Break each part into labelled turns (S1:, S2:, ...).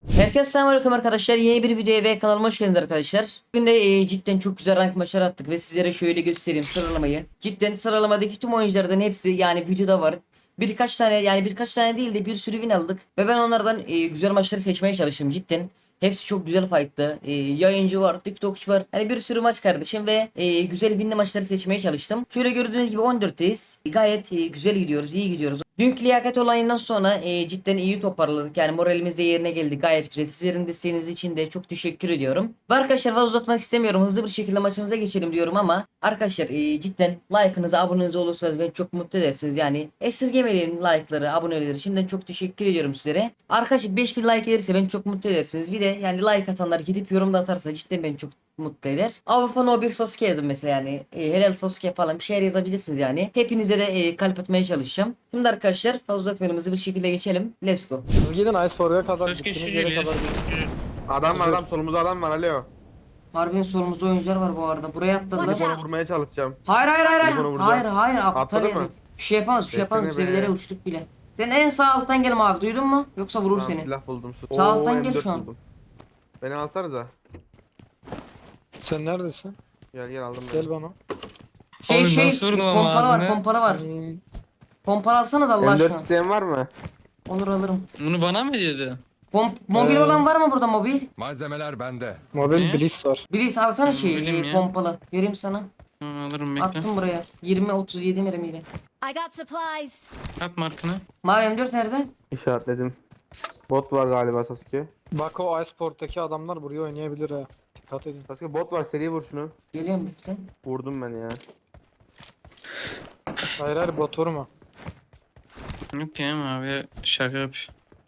S1: Herkese selamünaleyküm arkadaşlar. Yeni bir videoya ve kanalıma hoş geldiniz arkadaşlar. Bugün de cidden çok güzel rank maçları attık ve sizlere şöyle göstereyim sıralamayı. Cidden sıralamadaki tüm oyunculardan hepsi yani videoda var. Birkaç tane değil de bir sürü win aldık ve ben onlardan güzel maçları seçmeye çalıştım cidden. Hepsi çok güzel fight'tı. Yayıncı var, TikTokçu var. Hani bir sürü maç kardeşim ve güzel winli maçları seçmeye çalıştım. Şöyle gördüğünüz gibi 14'teyiz. Gayet güzel gidiyoruz, iyi gidiyoruz. Dünkü liyakat olayından sonra cidden iyi toparladık. Yani moralimiz de yerine geldi. Gayet güzel. Sizlerin desteğiniz için de çok teşekkür ediyorum. Ve arkadaşlar fazla uzatmak istemiyorum. Hızlı bir şekilde maçımıza geçelim diyorum ama arkadaşlar cidden like'ınızı, aboneniz olursanız beni çok mutlu edersiniz. Yani esirgemeyin like'ları, aboneleri. Şimdiden çok teşekkür ediyorum sizlere. Arkadaşlar 5000 like gelirse beni çok mutlu edersiniz. Bir de yani like atanlar gidip yorum da atarsa cidden beni çok mutlu eder. Avrupa No 1 Sasuke yazın mesela yani. Helal Sasuke falan bir şeyler yazabilirsiniz yani. Hepinize de kalp atmaya çalışacağım. Şimdi arkadaşlar fazla uzatmayalım, hızlı bir şekilde geçelim. Let's go.
S2: Siz gidin Iceborg'a kadar
S3: Söz
S2: gittiğiniz
S3: geçici
S2: yere
S3: geliyor.
S2: kadar gidin.
S4: Adam solumuzda adam var alo.
S1: Harbiden solumuzda oyuncular var bu arada. Buraya atladılar.
S4: Ben onu vurmaya çalışacağım.
S1: Hayır hayır hayır.
S4: Telefonu
S1: Hayır
S4: vuracağım.
S1: hayır aptal
S4: Atladı
S1: herif.
S4: mı?
S1: Bir şey yapamaz, bir şey yapamaz.
S4: Beklene be.
S1: Seviyelere uçtuk bile. Sen en sağ alttan gel abi, duydun mu? Yoksa vurur
S4: Tamam,
S1: seni.
S4: silah buldum.
S1: Sağ alttan gel
S4: M4
S1: şu an.
S4: buldum. Beni alsanıza.
S2: Sen neredesin?
S4: Gel aldım ben.
S2: Gel bana.
S3: Oğlum nasıl vurdum ama
S1: pompalı var,
S3: ağzına?
S1: pompalı var.
S2: Hmm,
S1: Pompalı alsanız Allah
S4: M4
S1: aşkına.
S4: isteyen var mı?
S1: Olur alırım.
S3: Bunu bana mı diyordu?
S1: Mobil olan var mı burada mobil?
S5: Malzemeler bende.
S2: Mobil
S3: Ne?
S2: Bliss var.
S1: Birisi alsana
S3: Mobilim ya.
S1: pompalı. Vereyim sana.
S3: Hı, alırım bekle.
S1: Attım buraya. 20-37 mermiyle.
S6: I got supplies.
S3: At markını.
S1: Mavi M4 nerede?
S4: İşaretledim. Bot var galiba Sasuke.
S2: Bak o Iceborg'daki adamlar buraya oynayabilir ha. Dikkat edin.
S4: Sasuke bot var, seri vur şunu.
S1: Geliyorum bekle.
S4: Vurdum ben ya.
S2: Hayır hayır bot vurma.
S3: Yok ya abi şaka yap.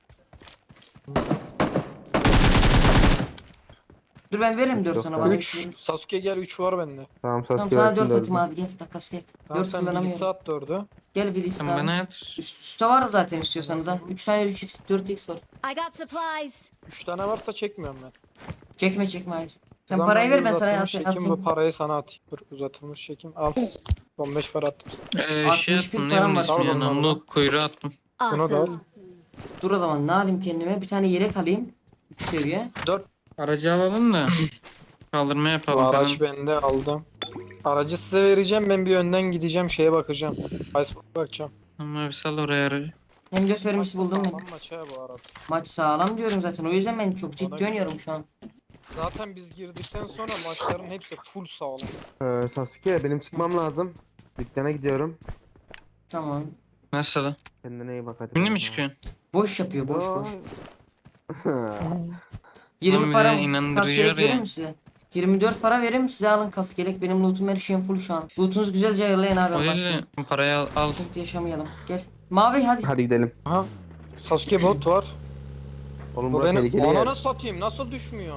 S1: Dur ben veririm 4
S4: Yok
S1: sana
S4: ya.
S1: bana.
S2: 3 Sasuke gel 3 var bende.
S4: Tamam
S1: Tamam
S4: Sasuke
S1: sana
S4: versin
S1: 4 atayım
S4: dördü.
S1: abi, gel takaslayek.
S2: Tamam
S1: 4
S2: sen Bliss
S1: kullanamıyorum.
S2: at 4'ü.
S1: Gel bir liste
S3: Sen
S1: abi.
S3: bana at.
S1: Üstte var zaten istiyorsanız ha. 3 tane 3x 4x var.
S6: I got supplies.
S2: 3 tane varsa çekmiyorum ben.
S1: Çekme hayır. Sen
S2: Ulan
S1: parayı ver,
S2: bir
S1: ben sana
S2: uzatılmış çekim,
S1: atayım.
S2: bu parayı sana atayım. Dur uzatılmış çekim al. 15 para attım.
S3: Şey
S1: 61
S3: attım ne
S1: param
S3: onun
S1: var.
S3: ismi ya.
S2: Tamam,
S3: Namlu
S2: tamam.
S3: kuyruğu attım.
S2: Bunu da al.
S6: Awesome.
S1: Dur o zaman ne alayım kendime? Bir tane yelek alayım. 3 seviye.
S2: 4
S3: Aracı alalım da. Kaldırma
S2: bu
S3: yapalım
S2: araç
S3: falan.
S2: bende aldım. Aracı size vereceğim, ben bir önden gideceğim şeye bakacağım. Iceborg'a bakacağım.
S3: Tamam abi sal oraya aracı.
S1: Hem göz vermişti buldum ben.
S2: Sağlam maç ha bu arada.
S1: Maç sağlam diyorum zaten. O yüzden ben çok ciddi
S2: Ona göre.
S1: oynuyorum şu an.
S2: Zaten biz girdikten sonra maçların hepsi full sağlam.
S4: Sasuke benim çıkmam lazım. Dükkana gidiyorum.
S1: Tamam.
S3: Nasıl?
S4: Kendine iyi bak hadi.
S3: Şimdi mi çıkıyorsun?
S1: Boş yapıyor, boş boş.
S4: Yo.
S1: 20
S3: Oğlum
S1: para
S3: ya, inandırıcı
S1: kas gerek
S3: var
S1: verir
S3: ya.
S1: mi size? 24 para verir mi size, alın kas gerek. Benim lootum her şeyim full şu an. Lootunuzu güzelce ayarlayın abi.
S3: O
S1: Allah
S3: yüzden
S1: aşkına.
S3: parayı al.
S1: Sıkıntı yaşamayalım. Gel. Mavi hadi.
S4: Hadi gidelim.
S2: Aha. Sasuke bot var.
S4: Oğlum
S2: Bu
S4: burası
S2: benim
S4: tehlikeli yer.
S2: ananı satayım, nasıl düşmüyor?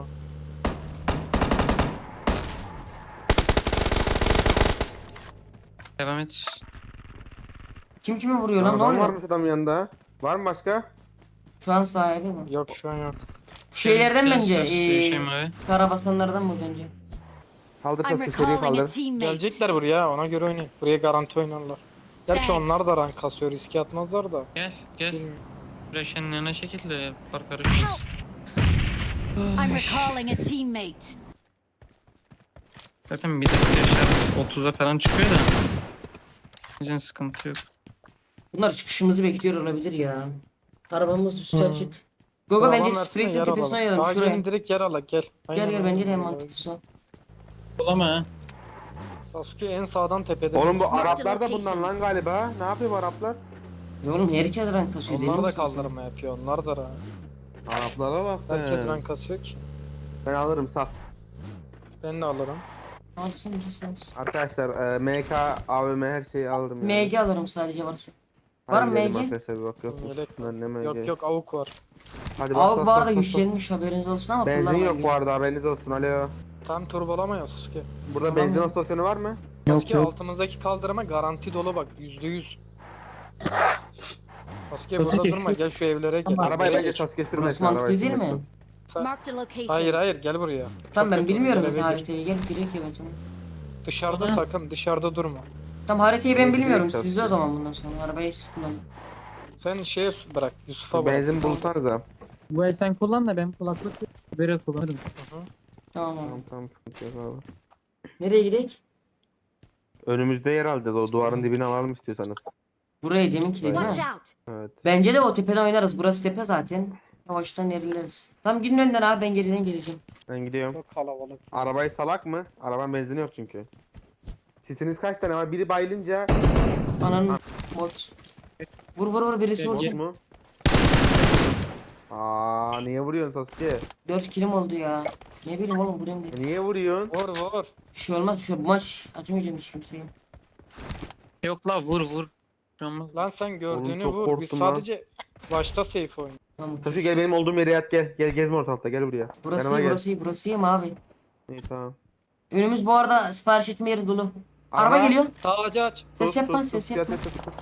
S3: Devam et.
S1: Kim kimi vuruyor lan, ne
S4: Adam
S1: oluyor?
S4: varmış adam yanında. Var mı başka?
S1: Şu an sahibi mi?
S2: Yok şu an yok.
S1: Bu şeylerden
S3: Gel,
S1: bence.
S3: şey mavi.
S1: Karabasanlardan mı bence?
S4: Kaldır
S6: I'm
S4: Sasuke, seri
S6: recalling a
S4: kaldır.
S6: teammate.
S2: Gelecekler buraya, ona göre oynayın. Buraya garanti oynarlar. Gerçi onlar da rank kasıyor, riske atmazlar da.
S3: Gel gel.
S2: Bilmiyorum.
S3: Reşenin yanına çekil de fark karışmaz.
S6: I'm recalling a teammate.
S3: Zaten bir de yaşar 30'a falan çıkıyor da. Bizim sıkıntı yok.
S1: Bunlar çıkışımızı bekliyor olabilir ya. Arabamız üstü
S2: Hı.
S1: açık. Gogo
S2: Tamam,
S1: bence
S2: versene,
S1: Sprit'in
S2: yer
S1: tepesine
S2: alalım.
S1: oynayalım
S2: Daha
S1: şuraya.
S2: gelin direkt yer ala gel.
S1: Gel gel bence de en
S2: aynen.
S1: mantıklısı o.
S3: Bulama ha.
S2: Sasuke en sağdan tepede.
S4: Oğlum bu
S6: Marked
S4: Araplar da bundan
S6: location.
S4: lan galiba. Ne yapıyor bu Araplar?
S1: Ya oğlum herkes rank kasıyor değil
S2: Onlar da
S1: misin sen?
S2: kaldırma yapıyor, onlar da rank.
S4: Araplara bak sen.
S2: Herkes rank kasıyor ki.
S4: Ben alırım saf.
S2: Ben de alırım.
S1: Alsın mısın?
S4: Arkadaşlar MK, AVM her şeyi alırım. yani.
S1: MG alırım sadece varsa.
S4: Hadi
S1: Var mı
S4: gidelim
S1: MG?
S4: Arkadaşlar bir bak yok.
S2: Yelek
S4: Bunlar ne MG?
S2: Yok yok avuk var.
S4: Hadi bas,
S1: Avuk
S4: bas,
S1: bu arada
S4: bas, bas, bas.
S1: güçlenmiş, haberiniz olsun ama
S4: Benzin
S1: kullanmayın.
S4: yok bu arada, haberiniz olsun. Alo.
S2: Tam turbolama ya Sasuke.
S4: Burada
S1: Tamam.
S4: benzin istasyonu var mı?
S2: Sasuke altımızdaki kaldırıma garanti dolu bak %100. Sasuke burada durma, gel şu evlere gel.
S4: Arabayı
S2: Evlere
S4: bence
S2: geç.
S4: Sasuke
S1: Burası
S4: sürmesin.
S1: mantıklı
S4: arabayı
S1: değil mi?
S4: sürmesin.
S6: Marked a location.
S2: Hayır hayır gel buraya.
S1: Tamam
S2: Çok
S1: ben
S2: kötü,
S1: bilmiyorum
S2: eve
S1: zaten
S2: gir.
S1: haritayı, gel girek ya ben sana.
S2: Dışarıda
S3: Aha.
S2: sakın dışarıda durma.
S1: Tamam haritayı ben
S4: Evet,
S1: bilmiyorum,
S4: direkt
S1: sizde o
S4: satıyor.
S1: zaman bundan sonra arabayı siz kullanın.
S2: Sen şeye bırak Yusuf'a bırak.
S4: Benzin bulsanız ha.
S3: Bu el sen kullan da ben kulaklık böyle kullanırım.
S1: Tamam abi.
S4: Tamam sıkıntı yok abi.
S1: Nereye gidelim?
S4: Önümüzde yer alacağız. O duvarın dibine alalım istiyorsanız.
S1: Buraya deminki değil
S6: Watch
S1: mi?
S6: out!
S4: Evet.
S1: Bence de o tepeden oynarız. Burası tepe zaten. Yavaştan ilerleriz. Tam gidin önden abi, ben geriden geleceğim.
S4: Ben gidiyorum.
S2: Çok kalabalık.
S4: Arabayı salak mı? Arabanın benzini yok çünkü. Sisiniz kaç tane var? Biri bayılınca
S1: Ananın bot. Vur vur vur, birisi
S3: Gel,
S4: bot
S1: vursun.
S4: mu? Aa niye vuruyorsun Sasuke?
S1: 4 kilim oldu ya. Ne bileyim oğlum, buraya mı?
S4: Niye vuruyorsun?
S2: Vur vur.
S1: Bir şey olmaz, bir şey olmaz. Bu maç acımayacağım hiç kimseye.
S3: Yok la vur vur. Olmaz.
S2: Lan sen gördüğünü
S4: çok
S2: vur. Biz
S4: korktum lan.
S2: sadece başta safe oyun.
S1: Tamam.
S4: Sasuke gel benim olduğum yere yat gel. Gel gezme ortalıkta gel buraya.
S1: Burası
S4: Yanıma
S1: iyi,
S4: gel.
S1: burası iyi, burası iyi mi abi?
S4: İyi tamam.
S1: Önümüz bu arada sipariş etme yeri dolu. Araba geliyor.
S2: Sağcı aç.
S1: Ses yapma,
S4: Sus,
S1: ses
S4: yat,
S1: yapma.
S4: yat, yat.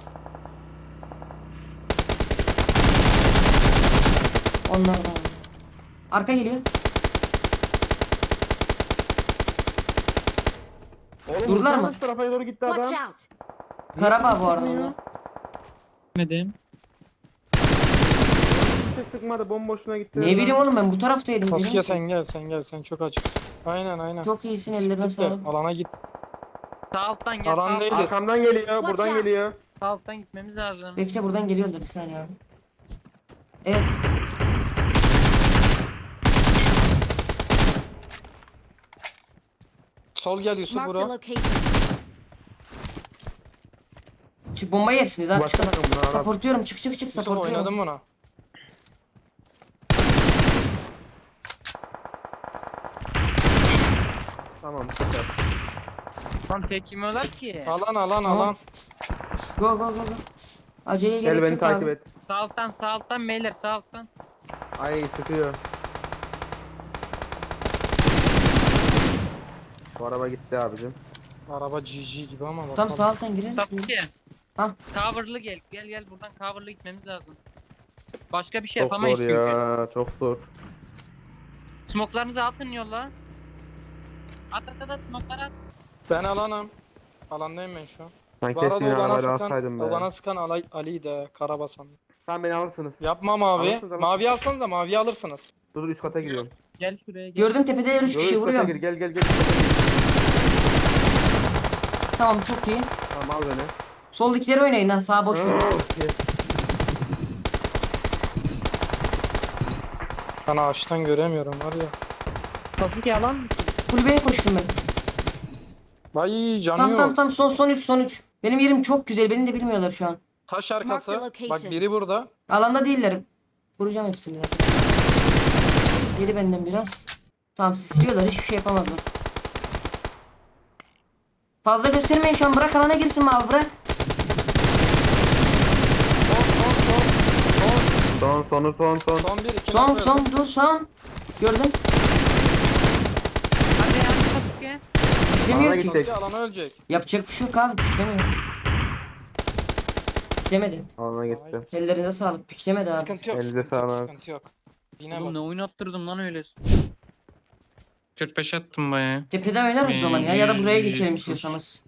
S1: Onlardan. Arka geliyor.
S4: Oğlum
S1: Durdular
S4: vursana
S1: mı?
S4: şu tarafa doğru gitti adam.
S6: Watch out!
S1: Karabağ bu arada
S4: Sıkmıyor.
S1: bunlar.
S3: Gitmedim.
S4: Hiç sıkmadı bomboşuna gitti.
S1: Ne bileyim oğlum, ben bu taraftaydım.
S2: Sasuke
S1: Benim-
S2: sen gel sen gel. Sen çok açıksın. Aynen.
S1: Çok iyisin, ellerine
S2: Git de
S1: sağlık.
S2: alana git.
S3: Sağ alttan gel.
S2: Alan
S3: Sağ,
S2: değil.
S4: Arkamdan geliyor,
S6: Watch
S4: buradan
S6: out.
S4: geliyor.
S3: sağ alttan gitmemiz lazım.
S1: Bekle, buradan geliyorlar bir saniye abi. Evet.
S2: Sol gel Yusuf
S6: Marked a
S2: bura.
S6: location.
S1: Çık, bomba yersiniz abi,
S4: Başka
S1: çıkın.
S4: takım bunu Arap.
S1: Supportuyorum, çık
S2: Yusuf
S1: supportuyorum.
S2: oynadım buna.
S4: Tamam süper.
S3: Lan tek yemiyorlar ki.
S2: Alan
S1: Tamam.
S2: alan.
S1: Go go go go. Aceleye gerek
S4: Gel beni
S1: yok
S4: takip
S1: abi.
S4: et.
S3: Sağ alttan beyler sağ alttan.
S4: Ay sıkıyor. Bu araba gitti abicim.
S2: Araba GG gibi ama.
S1: Tam
S2: bakalım.
S1: sağ alttan gireriz.
S3: Sasuke.
S1: Hah.
S3: Cover'lı gel. Gel buradan cover'lı gitmemiz lazım. Başka bir şey
S4: Çok
S3: yapamayız
S4: zor
S3: çünkü.
S4: ya, çok zor.
S3: Smoklarınızı atın yolla. At smokları at.
S2: Ben alanım. Alandayım ben şu an.
S4: Ben
S2: Bu arada
S4: keşke
S2: o bana
S4: arabayla alsaydım
S2: sıkan,
S4: be.
S2: o bana sıkan Ali'yi de Karabasan.
S4: Tamam beni alırsınız.
S2: Yapma mavi.
S4: Alırsınız, alırsınız.
S2: Mavi alsanız da mavi alırsınız.
S4: Dur üst kata giriyorum.
S3: Gel şuraya gel.
S1: Gördüm tepede 3
S4: Dur
S1: kişi
S4: üst kata
S1: vuruyor.
S4: gir gel.
S1: Tamam, çok iyi.
S4: Tamam al beni.
S1: Soldakileri oynayın lan, sağ boş ver.
S2: Ben ağaçtan göremiyorum var ya.
S3: Sasuke alan mı?
S1: Kulübeye koştum ben.
S2: Vay canı
S1: Tam
S2: yok.
S1: tam tam son 3. Benim yerim çok güzel, beni de bilmiyorlar şu an.
S2: Taş
S6: Mark the
S2: arkası.
S6: location.
S2: Bak biri burada.
S1: Alanda değiller. Vuracağım hepsini. Yedi benden biraz. Tamam, sisliyorlar, hiçbir şey yapamazlar. Fazla göstermeyin şu an, bırak alana girsin mi abi, bırak.
S4: Son.
S2: Son bir iki.
S1: Son dur son. Gördün.
S3: Hadi ya Sasuke.
S1: Demiyor
S4: Alana
S1: ki.
S4: gidecek.
S2: Alana ölecek.
S1: Yapacak bir şey yok abi, piklemiyor. Piklemedi.
S4: Alana gitti.
S1: Ellerinize sağlık, piklemedi abi.
S2: Sıkıntı yok.
S4: Elinize
S2: Sıkıntı yok.
S4: sağlık.
S2: Sıkıntı yok. Yine
S3: Oğlum ne
S2: bak.
S3: oynattırdım lan öyle. 45 attım bayağı.
S1: Tepeden oynarız o zaman ya da buraya geçelim istiyorsanız.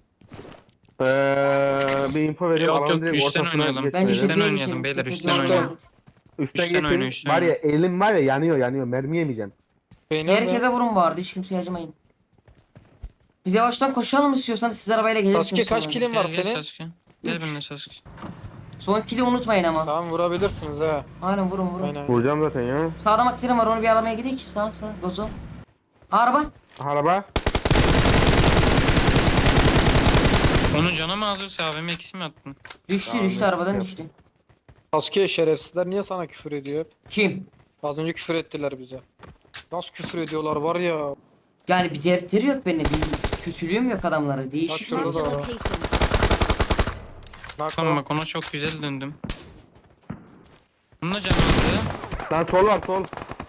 S4: Bir info vereyim.
S3: Yok,
S4: Alanın
S3: yok,
S4: direkt
S3: üstten
S4: ortasına
S3: oynayalım.
S1: Bence
S4: geçmeyelim.
S1: tepeye
S3: oynayalım
S1: geçelim.
S3: beyler,
S1: Tepeye
S3: üstten
S6: Watch
S1: oynayalım.
S6: out!
S4: Üstten
S3: Üstten
S4: geçin.
S3: oyna, üstten
S4: Var ya
S3: oyna.
S4: elim var ya yanıyor. Mermi yemeyeceğim.
S2: Benim de.
S1: Herkese vurun bu arada, hiç kimseye acımayın. Biz yavaştan koşalım istiyorsanız, siz arabayla gelirsiniz.
S2: Sasuke kaç
S1: sonra.
S2: kilin var
S3: Gel
S2: senin?
S3: Sasuke. Gel
S1: Üç.
S3: benimle Sasuke.
S1: Son kili unutmayın ama.
S2: Tamam vurabilirsiniz ha.
S1: Aynen, vurun.
S2: Aynen.
S4: Vuracağım zaten ya.
S1: Sağda maktirim var, onu bir aramaya gidelim. Sağ Gozo. Araba.
S4: Araba.
S3: Onun canı mı azırsa abime ikisi mi attın?
S1: Düştü
S4: Tamam,
S1: düştü, arabadan
S4: yok.
S1: düştü.
S2: Sasuke şerefsizler niye sana küfür ediyor hep?
S1: Kim?
S2: Az önce küfür ettiler bize. Nasıl küfür ediyorlar var ya.
S1: Yani bir dertleri yok benim. Bir kötülüğüm yok adamlara. Değişik.
S2: şurada
S6: Marked a
S2: da var.
S6: location.
S3: Tamam bak ona çok güzel döndüm. Bunun da canı azdı.
S4: Lan sol var sol.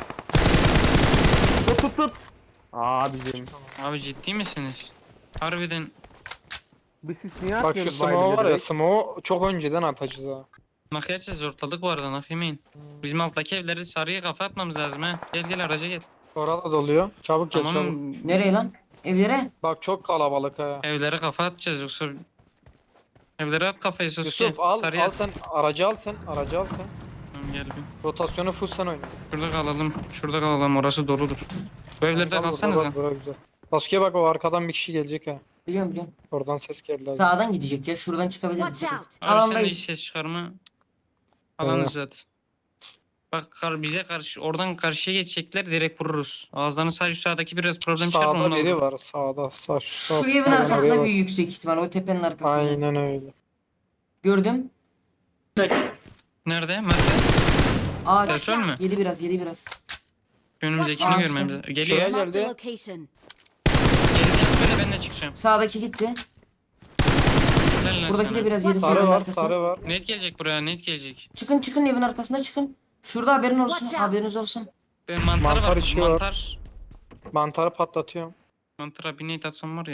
S4: Tut. Abicim.
S3: Abi ciddi misiniz? Harbiden
S4: Bir sis niye
S2: Bak şu
S4: atmıyorsunuz
S2: smoke
S4: bayılınca
S2: var ya
S4: direkt?
S2: smoke çok önceden atacağız ha.
S3: nakiyatacağız ortalık var da yemeyin. Bizim alttaki evleri sarıya kafa atmamız lazım ha. Gel araca gel.
S2: Orada doluyor. Çabuk gel
S3: Tamam
S2: çabuk.
S1: Nereye lan? Evlere.
S2: Bak çok kalabalık ha.
S3: evlere kafa atacağız yoksa. Evlere at kafayı Sasuke.
S2: Yusuf al
S3: Sarıya
S2: al
S3: at.
S2: sen aracı al sen aracı al sen.
S3: Tamam gel bir.
S2: Rotasyonu full sen oyna.
S3: Şurada kalalım. Şurada kalalım. Orası doludur. Bu evlerde
S2: Tamam,
S3: kalsanız
S2: burada
S3: ha.
S2: bura güzel. Sasuke bak o arkadan bir kişi gelecek ha.
S1: Biliyorum biliyorum.
S2: Oradan ses geldi abi.
S1: Sağdan gidecek ya. Şuradan çıkabilir.
S6: Watch out.
S3: Abi sen de hiç
S1: Alandayız.
S3: ses çıkarma. Alanız zaten. Bak bize karşı oradan karşıya geçecekler direkt vururuz. Ağızlarını sadece sağdaki biraz problem çıkar
S2: Sağda
S3: onunla
S2: biri
S3: vururuz.
S2: var sağda.
S1: Şu evin arkasında bir yüksek ihtimal. O tepenin arkasında.
S2: Aynen öyle.
S1: Gördüm.
S3: Nerede? Nerede?
S1: Ağaç.
S3: Petrol mü?
S1: Yedi biraz yedi biraz.
S3: Önümüzdekini
S1: Watch out.
S3: görmemiz lazım. Geliyor.
S2: Şuraya
S6: Marked a
S2: geldi.
S6: location.
S3: Geldiğiniz böyle ben de çıkacağım.
S1: Sağdaki gitti.
S3: Helal lan
S1: Buradaki
S3: sana.
S1: de biraz yedi.
S2: Sarı
S1: Sarı
S2: var
S1: arkası.
S2: sarı var.
S3: Net gelecek buraya net gelecek.
S1: Çıkın çıkın evin arkasına çıkın. Şurada haberin olsun.
S6: Watch out.
S1: Haberiniz olsun.
S3: Ben mantarı
S2: Mantar
S3: var.
S2: işi var.
S3: Mantar.
S2: Mantarı patlatıyorum.
S3: Mantara bir net atsam var ya.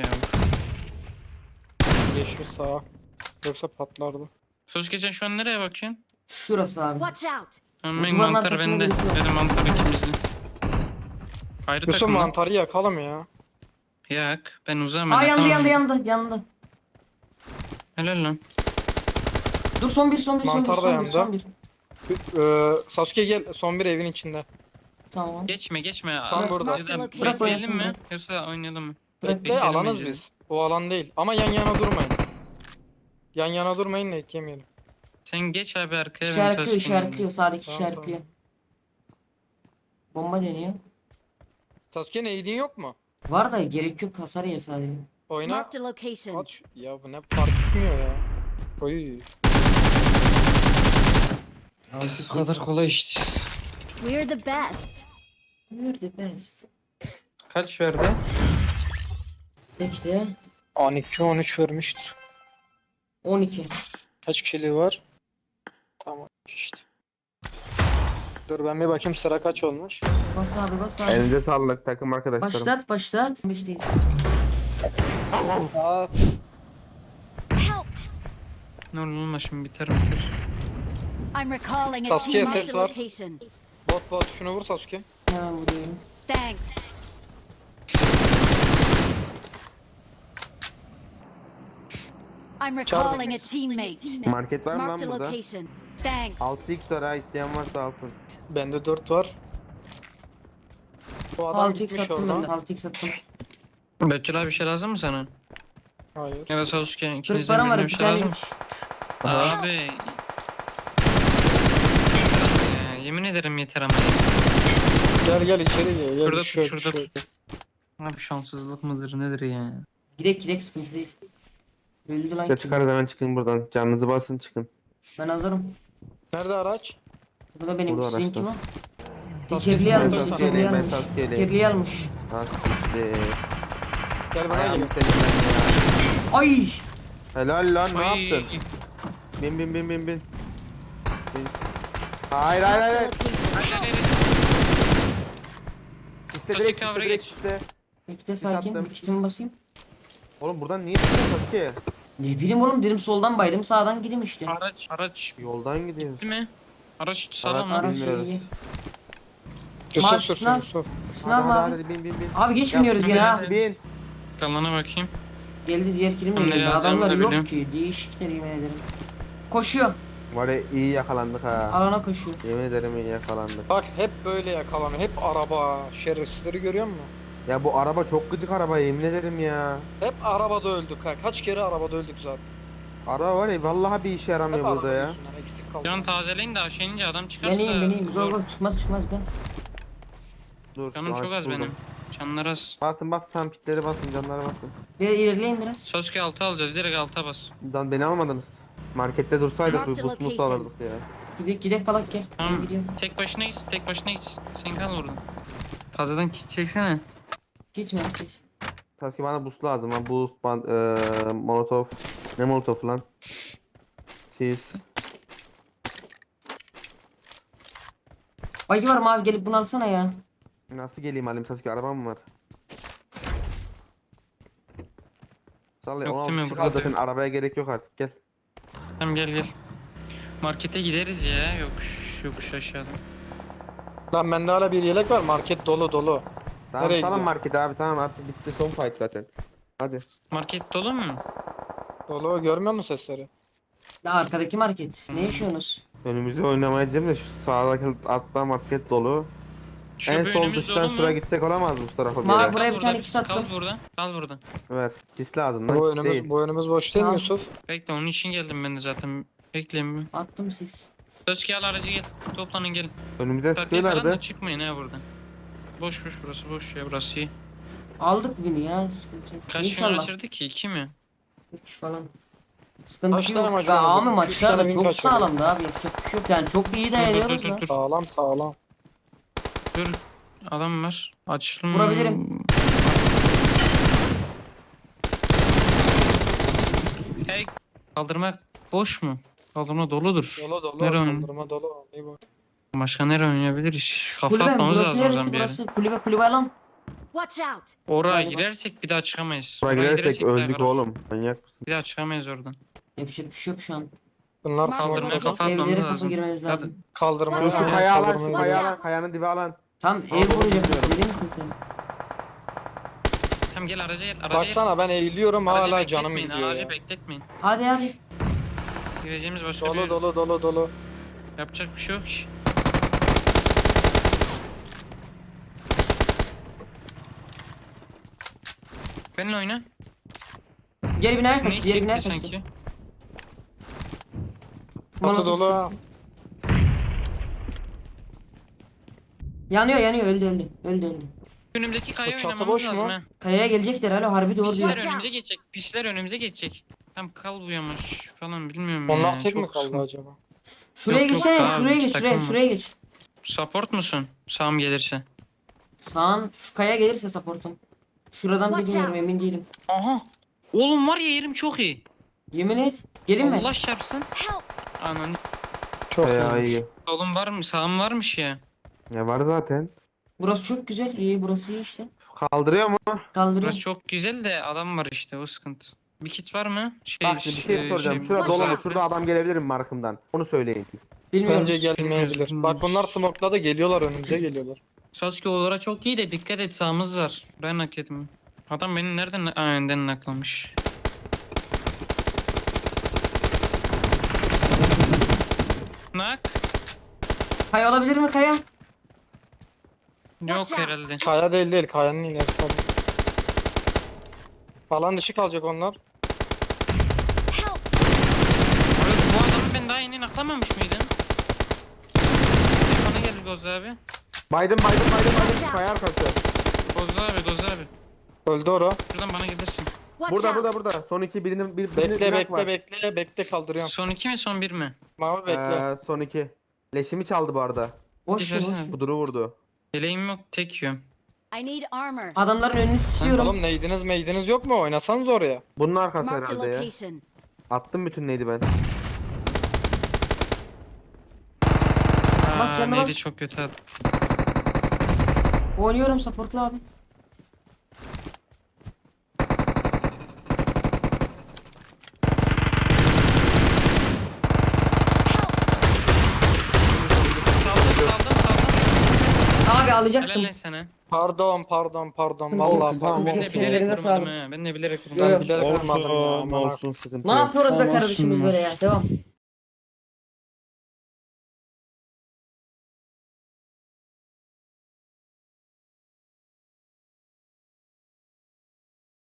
S2: Yeşil sağa. Yoksa patlardı.
S3: Söz geçen şu an nereye bakıyorsun?
S1: Şurası abi.
S6: Watch out.
S3: Tamam
S1: Bu
S3: ben
S1: duvarın
S3: mantarı
S1: arkasında
S3: bende.
S1: birisi var.
S3: Dedim mantarı ikimizde. Ayrı
S2: Yusuf
S3: takım lan.
S2: mantarı yakalım ya.
S3: Yak. Ben uzağım.
S1: Aa
S3: ben
S1: yandı
S3: atamam.
S1: yandı yandı.
S3: Helal lan.
S1: Dur son bir son bir son bir
S2: Mantar da
S1: son bir
S2: yandı.
S1: son bir.
S2: Sasuke gel son bir evin içinde.
S1: Tamam.
S3: Geçme geçme.
S2: Tam
S3: Aa,
S2: burada.
S3: ya da
S6: Bırak
S1: oynasın,
S3: bekleyelim mi?
S1: bırak.
S3: Yoksa oynayalım mı?
S1: Bırak.
S2: Bekle
S3: Bekleyelim
S2: alanız
S3: bence.
S2: biz. O alan değil. Ama yan yana durmayın. Yan yana durmayın da eklemeyelim.
S3: Sen geç abi arkaya. ben
S1: İşaretliyor
S3: söz
S1: işaretliyor. Sağdaki
S2: Tamam,
S1: işaretliyor. Bomba deniyor.
S2: Sasuke neydin yok mu?
S1: Var da gerek yok, hasar yer sadece.
S2: Oyna.
S6: Marked a location.
S2: Aç. Ya bu ne fark etmiyor ya. Oy.
S3: Bu kadar kolay işte.
S6: We're the best.
S1: You're the best.
S3: Kaç verdi?
S1: Bekle.
S2: 12-13 vermiştir.
S1: 12.
S2: Kaç kişiliği var? Tamam işte. Dur ben bir bakayım sıra kaç olmuş.
S1: Bas abi bas abi.
S4: Elinize sağlık takım arkadaşlarım.
S1: Başlat başlat. 5 değil.
S2: Aa,
S6: Help.
S3: Ne olur olma şimdi biter biter.
S6: I'm recalling a
S2: Sasuke,
S6: team.
S2: ses
S6: Marked a
S2: var.
S6: location.
S2: bot şunu vur Sasuke.
S1: Hemen vuruyorum.
S6: Thanks. I'm recalling a teammate.
S4: Market var mı lan
S6: Marked a
S4: burada?
S6: location. Thanks.
S4: 6x var ha, isteyen varsa alsın.
S2: Bende 4 var. Bu adam
S1: 6x
S2: gitmiş
S1: attım ben de.
S2: oradan.
S1: 6x attım.
S3: Betül abi bir şey lazım mı sana?
S2: Hayır.
S3: Ya da Sasuke
S1: 40
S3: ikinizden
S1: param var
S3: birine
S1: bir
S3: bir şey
S1: tane
S3: lazım mı?
S1: 3.
S3: Abi. Ya, yemin ederim yeter ama.
S2: Gel içeri gel. Gel
S3: Şurada
S2: bir şey yok,
S3: tut
S2: bir
S3: şurada
S2: şey yok.
S3: tut. Abi şanssızlık mıdır nedir ya?
S1: Girek girek sıkıntı değil. Öldü lan
S4: Ya
S1: kim?
S4: çıkarız hemen çıkın buradan. Canınızı basın çıkın.
S1: Ben hazırım.
S2: Nerede araç?
S1: Bu da benim
S4: Burada
S1: sizin
S4: araçta.
S1: kim o?
S2: Sasuke,
S1: Tekerli
S2: ben
S1: almış,
S2: Sasuke'leyim,
S1: tekerli
S4: ben
S1: almış.
S4: Sasuke'leyim.
S1: Tekerli almış.
S4: Hadi.
S2: Gel bana
S4: Ayağımı
S2: gelin.
S4: senin ben ya.
S1: Ay!
S4: Helal lan ne
S3: Ay,
S4: yaptın? Bin. Hayır hayır
S6: Marked a
S4: hayır.
S6: location.
S4: İste
S3: Sasuke
S4: direkt
S3: cover'a
S4: iste direkt
S3: geç.
S4: iste.
S1: Bekle sakin.
S4: attım.
S1: Bir kitimi basayım.
S4: Oğlum buradan niye çıkıyorsun Sasuke?
S1: Ne bileyim oğlum dedim soldan baydım sağdan gideyim işte.
S3: Araç
S4: Yoldan gidiyoruz.
S3: değil mi? Araç sağlam
S4: Araç-
S3: mı?
S1: Ara
S4: bilmiyorum.
S1: şeyi.
S2: Yusuf
S1: Maç
S2: sürsün
S1: sınav.
S2: Yusuf.
S1: Sınav mı
S4: Hadi,
S1: abi?
S4: hadi bin.
S1: Abi geç biniyoruz gene ha.
S4: Bin.
S3: Kalana bakayım.
S1: Geldi diğer kilim de
S3: Ben nereye
S1: geldi.
S3: alacağımı
S1: Adamlar
S3: da
S1: yok
S3: biliyorum.
S1: ki. Değişikler yemin ederim. Koşuyor.
S4: Var ya iyi yakalandık ha.
S1: Alana koşuyor.
S4: Yemin ederim iyi yakalandık.
S2: Bak hep böyle yakalanıyor. Hep araba. Şerefsizleri görüyor musun?
S4: Ya bu araba çok gıcık araba yemin ederim ya.
S2: Hep arabada öldük ha. Kaç kere arabada öldük zaten.
S4: Araba var ya vallahi bir işe
S2: Hep
S4: yaramıyor
S2: araba
S4: burada ya.
S2: yüzünden eksik kaldı.
S3: Can tazeleyin de aşağı inince adam çıkarsa.
S1: Ben iyiyim. Go
S3: zor.
S1: go çıkmaz ben.
S4: Dur.
S3: Canım
S4: şu
S3: çok
S4: an
S3: az
S4: buldum.
S3: benim. Canlar az.
S4: Basın tam pitleri basın canlara basın.
S1: Bir ilerleyin biraz.
S3: Sasuke 6 alacağız direkt 6'a bas.
S4: Lan beni almadınız. Markette dursaydık
S6: Marked
S4: bir bus
S6: location.
S4: alırdık ya.
S1: Gidek kalak gel.
S3: Tamam.
S1: Ben gidiyorum.
S3: Tek başına git. Sen kal orada. Fazladan kit çeksene.
S1: Gitme artık.
S4: Sasuke bana bus lazım ha. Bus, molotov. Ne molotov lan? Siz.
S1: Bagi var mı abi gelip bunu alsana ya.
S4: Nasıl geleyim halim Sasuke arabam mı var? Salla ya
S3: Yok
S4: 16
S3: değil mi?
S4: kişi
S3: Burada
S4: kaldı zaten
S3: yok.
S4: arabaya gerek yok artık gel.
S3: Tamam gel. Markete gideriz ya. Yokuş aşağıda.
S2: Lan bende hala bir yelek var. Market dolu.
S4: Tamam
S2: Nereye
S4: salın
S2: gidiyor?
S4: markete abi tamam artık bitti son fight zaten. Hadi.
S3: Market dolu mu?
S2: Dolu görmüyor musun sesleri?
S1: Ya arkadaki market. Ne yaşıyorsunuz?
S4: Önümüzü oynamayacağım da şu sağdaki altta market dolu.
S3: Şu
S4: En
S3: bir
S4: sol
S3: önümüz
S4: dıştan
S3: dolu mu?
S4: şuraya gitsek olamaz mı bu tarafa bir
S1: Mavi
S4: yere?
S1: buraya
S3: Kal
S1: bir tane
S3: burada,
S1: kit attım.
S3: Kal burada. Kal burada.
S4: Ver. Kis lazım lan.
S2: Bu
S4: Kit değil.
S2: önümüz boş değil mi
S1: Tamam.
S2: Yusuf?
S3: Bekle onun için geldim ben de zaten. Bekleyin bir.
S1: Attım siz.
S3: Özki al aracı gel. Toplanın gelin.
S4: Önümüze
S3: Takviye falan da
S4: sıkıyorlardı.
S3: çıkmayın ha buradan. Boş boş burası boş ya burası iyi.
S1: Aldık bini ya, sıkıntı yok.
S3: Kaç gün
S1: İnşallah.
S3: kaçırdık ki? 2 mi?
S1: 3 falan. Sıkıntı
S2: Kaç tane
S1: yok.
S2: maç
S1: Ya
S2: oynadık?
S1: abi
S2: Üç
S1: maçlar
S2: tane
S1: da
S2: bin
S1: çok
S2: kaçırdık.
S1: sağlamdı abi. Yapacak bir şey yok yani, çok iyi dayanıyoruz da.
S3: dur.
S2: Sağlam sağlam.
S3: Dur. Adam var. Açılım.
S1: Vurabilirim.
S3: Hey. Kaldırma boş mu? Kaldırma doludur.
S2: Dolu dolu.
S3: Nereye oynuyor?
S2: Kaldırma dolu. İyi bu.
S3: Başka nereye oynayabiliriz? Kafa
S1: Kulübe mi?
S3: atmamız
S1: Burası
S3: lazım o
S1: neresi
S3: zaman bir yere.
S1: burası? Kulübe lan.
S6: Watch out!
S3: Oraya
S1: Galiba.
S3: girersek bir daha çıkamayız.
S4: Buraya
S3: Oraya
S4: girersek
S3: bir daha
S4: öldük
S3: bırak.
S4: oğlum. Manyak mısın?
S3: Bir daha çıkamayız oradan.
S1: Yapacak bir şey yok şu an.
S2: Bunlar
S6: Kaldırmaya
S2: smoke'da.
S6: kafa-
S3: atmamız
S1: Evlere kafa
S3: lazım.
S1: girmemiz
S3: Hadi.
S1: lazım.
S2: Kaldırmaya
S4: Şu
S6: Watch out.
S4: kaya alan, şu
S2: kaldırmaya-
S4: kaya
S6: Watch
S4: alan,
S6: out.
S4: kayanın dibi alan.
S1: Tam
S4: Tamam,
S1: ev vuracak.
S4: bilmiyorum.
S1: Deli misin sen?
S3: Tamam gel araca gel. Araca
S2: Baksana ben eğiliyorum
S3: gel. Aracı
S2: hala canım
S3: bekletmeyin,
S2: gidiyor
S3: Aracı
S2: ya.
S3: bekletmeyin.
S1: Hadi.
S3: Gireceğimiz başka bir
S2: Dolu
S3: yer-
S2: dolu dolu dolu.
S3: Yapacak bir şey yok ki. Benimle oyna.
S1: Geri binaya
S3: Ne
S1: kaçtı. Geri binaya
S3: çekti
S1: kaçtı.
S3: sanki?
S2: Atı
S1: Molotof.
S2: dolu ha.
S1: Yanıyor öldü.
S3: Önümüzdeki kaya
S2: O çatı
S3: oynamamız
S2: boş
S3: lazım
S2: mu?
S3: ha.
S1: Kayaya gelecekler hala, harbi doğru diyor.
S3: Pisler
S6: Watch
S3: önümüze
S6: out.
S3: geçecek. Pisler önümüze geçecek. Tam kal bu yamaç falan bilmiyorum
S2: Onlar
S3: ya.
S2: tek mi
S3: Çok
S2: kaldı
S3: sıkıntı.
S2: acaba?
S1: Şuraya
S3: Yok, yok,
S1: geçsene,
S3: tamam,
S1: şuraya
S3: iki
S1: geç,
S3: takım var.
S1: şuraya geç.
S3: Support musun? Sağım gelirse.
S1: Sağın şu kaya gelirse supportum. Şuradan
S6: Watch
S1: bilmiyorum,
S6: out.
S1: emin değilim.
S3: Aha. Oğlum var ya yerim çok iyi.
S1: Yemin et. Gelin mi?
S3: Allah çarpsın.
S6: Help!
S3: Ananı.
S2: Çok
S4: Kaya
S2: iyiymiş.
S4: iyi.
S3: Oğlum var mı? Sağım varmış ya.
S4: Ya var zaten.
S1: Burası çok güzel. İyi, burası iyi işte.
S4: Kaldırıyor mu?
S1: Kaldırıyor.
S3: Burası çok güzel de adam var işte o sıkıntı. Bir kit var mı?
S4: Bak şimdi bir şey soracağım. Şurada
S6: Watch
S4: dolu mu?
S6: out.
S4: Şurada adam gelebilir mi markımdan? Onu söyleyin.
S1: Bilmiyorum.
S2: Bence gelmeyebilir.
S3: Bilmiyoruz.
S2: Bak bunlar smoke'ladı geliyorlar önümüze geliyorlar.
S3: Sasuke olarak çok iyi de dikkat et sağımız var. Ben hak ettim. Adam beni nereden önden naklamış. Nak?
S1: Kaya olabilir mi kaya?
S3: Yok
S6: Watch out.
S3: herhalde.
S2: Kaya değil kayanın ilerisi tabii. Alan dışı kalacak onlar.
S6: Help!
S3: Bu adamı ben daha yeni naklamamış mıydım? Bana gel Goz abi.
S4: Baydım. Kaya arkası.
S3: Goz abi.
S2: Öldü ora.
S3: Şuradan bana gelirsin.
S6: Watch out!
S4: Burada. Son iki birini
S2: Bekle kaldırıyorum.
S3: Son 2 mi son 1 mi?
S2: Mavi bekle.
S4: Son iki. Leşimi çaldı bu arada.
S1: Boş ver, boş ver.
S3: Güzel.
S4: Kuduru vurdu.
S3: Yeleğim yok tek yiyorum.
S6: I need armor.
S1: Adamların önünü siliyorum.
S2: Oğlum neydiniz yok mu? Oynasanız oraya.
S4: Bunun arkası
S6: Mark the
S4: herhalde ya.
S6: location.
S4: Attım bütün neydi ben.
S1: Bas
S3: Aa,
S1: canına
S3: neydi
S1: bas.
S3: çok kötü adam.
S1: Oynuyorum supportlu abi.
S3: Saldım.
S1: Abi
S3: Helal
S1: alacaktım.
S3: lan sana.
S2: Pardon.
S1: Tamam,
S2: Vallahi
S1: tamam,
S2: pardon.
S3: Ben de
S1: Okey,
S3: bilerek
S1: ellerine
S3: vurdum
S1: sağlık.
S3: ha. Ben de bilerek vurdum.
S1: Yo, yo.
S2: Bilerek vurmadım ya.
S4: Olsun
S2: aman
S4: olsun sıkıntı
S1: Ne
S4: yok.
S1: yapıyoruz be
S3: Tamam,
S1: kardeşimiz
S3: olsun.
S1: böyle ya? Devam.